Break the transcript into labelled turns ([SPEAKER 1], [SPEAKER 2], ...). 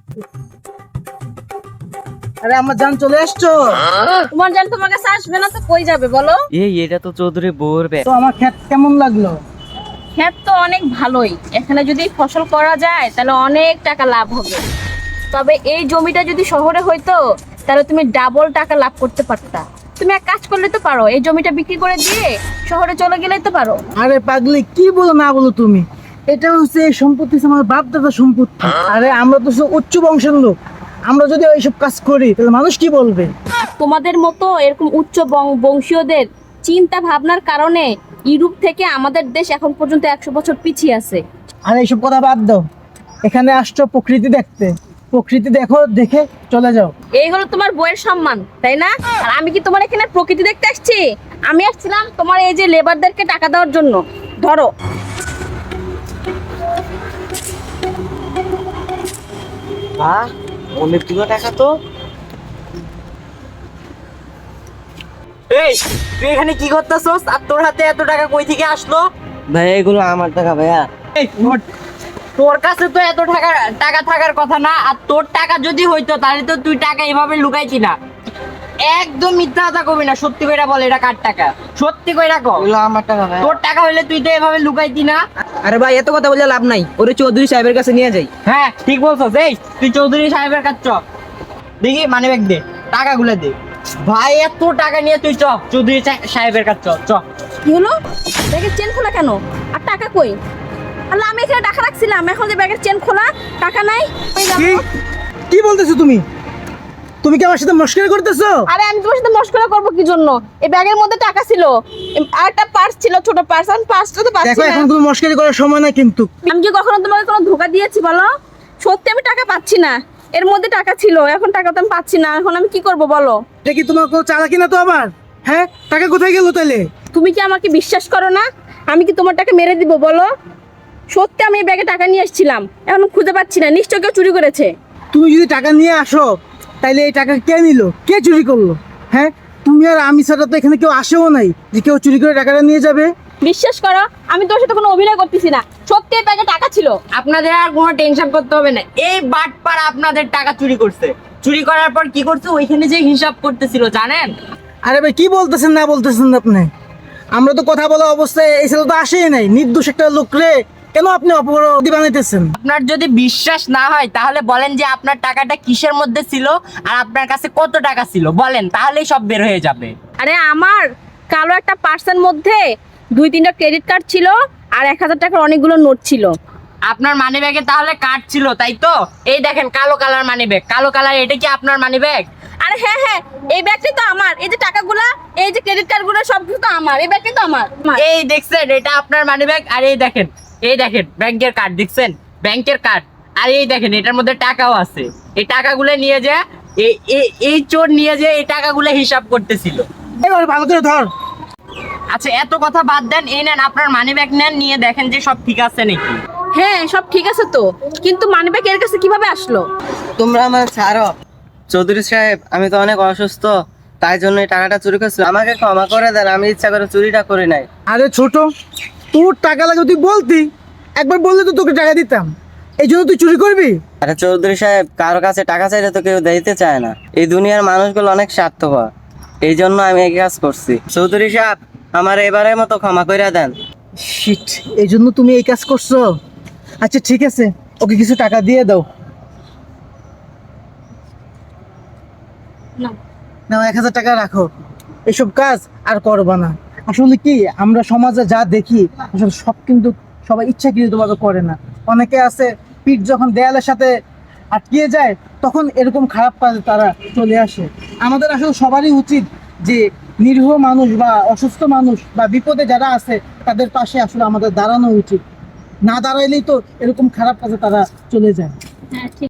[SPEAKER 1] আরে আমার জান চলে আসছো।
[SPEAKER 2] তোমার জান তোমার কাছে আসবে না তো কই যাবে বলো?
[SPEAKER 3] এটা তো চৌধুরী বউর ব্যাগ।
[SPEAKER 1] তো আমার ক্ষেত কেমন লাগলো?
[SPEAKER 2] ক্ষেত তো অনেক ভালোই, এখানে যদি ফসল করা যায় তাহলে অনেক টাকা লাভ হবে। তবে এই জমিটা যদি শহরে হইতো তাহলে তুমি ডাবল টাকা লাভ করতে পারতা। তুমি এক কাজ করলে তো পারো, এই জমিটা বিক্রি করে দিয়ে শহরে চলে গেলে তো পারো।
[SPEAKER 1] আরে পাগলি, কি বলো না বলো তুমি, এটা হচ্ছে এই সম্পত্তি হচ্ছে আমার বাপ দাদা সম্পত্তি। আরে আমরা তো সব উচ্চ বংশের লোক, আমরা যদি এইসব কাজ করি তাহলে মানুষ কি বলবে?
[SPEAKER 2] তোমাদের মতো এরকম উচ্চ বংশীয়দের চিন্তা ভাবনার কারণে ইউরোপ থেকে আমাদের দেশ এখন পর্যন্ত 100 বছর পিছিয়ে আছে।
[SPEAKER 1] আর এইসব কথা বাদ দাও, এখানে আসছো প্রকৃতি দেখতে, প্রকৃতি দেখো, দেখে চলে যাও।
[SPEAKER 2] এই হলো তোমার বইয়ের সম্মান, তাই না? আর আমি কি তোমার এখানে প্রকৃতি দেখতে আসছি? আমি আসছিলাম তোমার এই যে লেবারদেরকে টাকা দেওয়ার জন্য। ধরো।
[SPEAKER 3] বাহ, অনেকগুলো টাকা তো। এই, তুই এখানে কি করতেছস? আর তোর হাতে এত টাকা কই থেকে আসলো? ভাইয়া, এগুলো আমার টাকা ভাইয়া।
[SPEAKER 4] এই, তোর কাছে তো এত টাকা থাকার কথা না। আর তোর টাকা যদি হইতো তাহলে তো তুই টাকা এভাবে লুকাইতি না। একদম মিথ্যা কথা কবি না, সত্যি কইরা বল এটা কার টাকা, সত্যি কইরা কও।
[SPEAKER 3] এগুলো আমার টাকা ভাইয়া।
[SPEAKER 4] তোর টাকা হইলে তুই তো এভাবে লুকাইতি না।
[SPEAKER 3] আরে ভাই, এত কথা বলে লাভ নাই, ওরে চৌধুরী সাহেবের কাছে নিয়ে যাই।
[SPEAKER 4] হ্যাঁ ঠিক বলছস। এই তুই চৌধুরী সাহেবের কাছে চ, দেখি মানি ব্যাগ দে, টাকাগুলো দে। ভাই এত টাকা নিয়ে তুই চ চৌধুরী সাহেবের কাছে চ।
[SPEAKER 2] কি হলো? ব্যাগের চেন খোলা কেন? আর টাকা কই? আল্লাহ, আমি এখানে টাকা রাখছিলাম, এখন যে ব্যাগের চেন খোলা, টাকা নাই। কই গেল?
[SPEAKER 1] কি কি বলতেছো তুমি? তুমি কি আমার সাথে মস্করা করতেছো?
[SPEAKER 2] আরে আমি তোমার সাথে মশকরা করবো কি জন্য? এই ব্যাগের মধ্যে টাকা ছিল, আর একটা পার্স ছিল, ছোট পার্স। আমি পার্সটা তো পাচ্ছি
[SPEAKER 1] দেখো,
[SPEAKER 2] না।
[SPEAKER 1] এখন কোনো মস্করি করার সময় না কিন্তু।
[SPEAKER 2] আমি কি কখনো তোমাকে কোনো ধোকা দিয়েছি বলো? সত্যি আমি টাকা পাচ্ছি না, এর মধ্যে টাকা ছিল, এখন টাকা তো আমি পাচ্ছি না। এখন আমি কি করব বলো?
[SPEAKER 1] এটা কি তোমার কোনো চালাকি না তো আবার? হ্যাঁ, টাকা কোথায় গেল তাহলে?
[SPEAKER 2] তুমি কি আমাকে বিশ্বাস করো না? আমি কি তোমার টাকা মেরে দিব বলো? সত্যি আমি এই ব্যাগে টাকা নিয়ে এসেছিলাম, এখন খুঁজে পাচ্ছি না, নিশ্চয় কেউ চুরি করেছে।
[SPEAKER 1] তুমি যদি টাকা নিয়ে আসো তাইলে এই টাকা কে নিল, কে চুরি করলো? হ্যাঁ, তুমি আর আমি ছাড়া তো এখানে কেউ আসেও নাই যে কেউ চুরি করে টাকাটা নিয়ে যাবে।
[SPEAKER 2] বিশ্বাস করো, আমি তোর সাথে কোনো অভিনয় করতেছি না, সত্যি এই ব্যাগে টাকা ছিল।
[SPEAKER 4] আপনাদের আর কোনো টেনশন করতে হবে না। এই বাটপাড়া আপনাদের টাকা চুরি করছে, চুরি করার পর কি করছে ওইখানে যে হিসাব করতেছিল জানেন।
[SPEAKER 1] আরে ভাই, কি বলতেছেন না বলতেছেন আপনি? আমরা তো কথা বলা অবস্থায় এই ছেলে তো আসেই নাই, নির্দোষ একটা লোক রে কেন আপনি অপরাধী বানাইতেছেন?
[SPEAKER 4] আপনার যদি বিশ্বাস না হয় তাহলে বলেন যে আপনার টাকাটা কিসের মধ্যে ছিল আর আপনার কাছে কত টাকা ছিল, বলেন, তাহলেই সব বের হয়ে যাবে।
[SPEAKER 2] আরে আমার কালো একটা পার্সের মধ্যে 2-3টা ক্রেডিট কার্ড ছিল, আর 1000 টাকার অনেকগুলো নোট ছিল।
[SPEAKER 4] আপনার মানি ব্যাগে তাহলে কার্ড ছিল, তাই তো? এই দেখেন কালো কালার মানি ব্যাগ, কালো কালার, এটা কি আপনার মানি ব্যাগ?
[SPEAKER 2] আরে হ্যাঁ হ্যাঁ, এই ব্যাগটাই তো আমার, এই যে টাকাগুলা, এই যে ক্রেডিট কার্ডগুলো সব কিছু তো আমার, এই ব্যাগটাই তো আমার।
[SPEAKER 4] এই দেখছেন, এটা আপনার মানি ব্যাগ। আর এই দেখেন ব্যাংকের কার্ড, দেখছেন ব্যাংকের কার্ড। আর এই দেখেন এটার মধ্যে টাকাও আছে। এই টাকাগুলো নিয়ে যে এই চোর নিয়ে যে এই টাকাগুলো হিসাব করতেছিল।
[SPEAKER 1] এবার ভালো করে ধর।
[SPEAKER 4] আচ্ছা এত কথা বাদ দেন, এই নেন আপনার মানি ব্যাগ, নেন, নিয়ে দেখেন যে সব ঠিক আছে নাকি।
[SPEAKER 2] হ্যাঁ সব ঠিক আছে তো, কিন্তু মানি ব্যাগ এর কাছে কিভাবে আসলো?
[SPEAKER 3] তোমরা আমার ছাড়ো। চৌধুরী সাহেব, আমি তো অনেক অসুস্থ, তাই জন্য এই টাকাটা চুরি করছি, আমাকে ক্ষমা করে দেন, আমি ইচ্ছা করে চুরিটা করি নাই।
[SPEAKER 1] আরে ছোট, তোর টাকা লাগে তুই বলতি, একবার বললে তো তোকে টাকা দিতাম, এই জন্য তুই চুরি করবি?
[SPEAKER 3] আরে চৌধুরী সাহেব, কারো কাছে টাকা চাইলে তো কেউ দিতে চায় না, এই দুনিয়ার মানুষগুলো অনেক স্বার্থপর, এই জন্য আমি এই কাজ করছি। চৌধুরী সাহেব, আমার এবারের মতো ক্ষমা করে দেন।
[SPEAKER 1] শিট, এই জন্য তুমি এই কাজ করছো? আচ্ছা ঠিক আছে, ওকে কিছু টাকা দিয়ে দাও।
[SPEAKER 2] না
[SPEAKER 1] নাও, 1000 টাকা রাখো, এসব কাজ আর করবা না। আসলে কি, আমরা সমাজে যা দেখি আসলে সব কিন্তু সবাই ইচ্ছাকৃতভাবে করে না। অনেকে আছে পিঠ যখন দেয়ালের সাথে আটকিয়ে যায় তখন এরকম খারাপ কাজে তারা চলে আসে। আমাদের আসলে সবারই উচিত যে নিরীহ মানুষ বা অসুস্থ মানুষ বা বিপদে যারা আছে তাদের পাশে আসলে আমাদের দাঁড়ানো উচিত। না দাঁড়াইলেই তো এরকম খারাপ কাজে তারা চলে যায়।
[SPEAKER 2] হ্যাঁ ঠিক।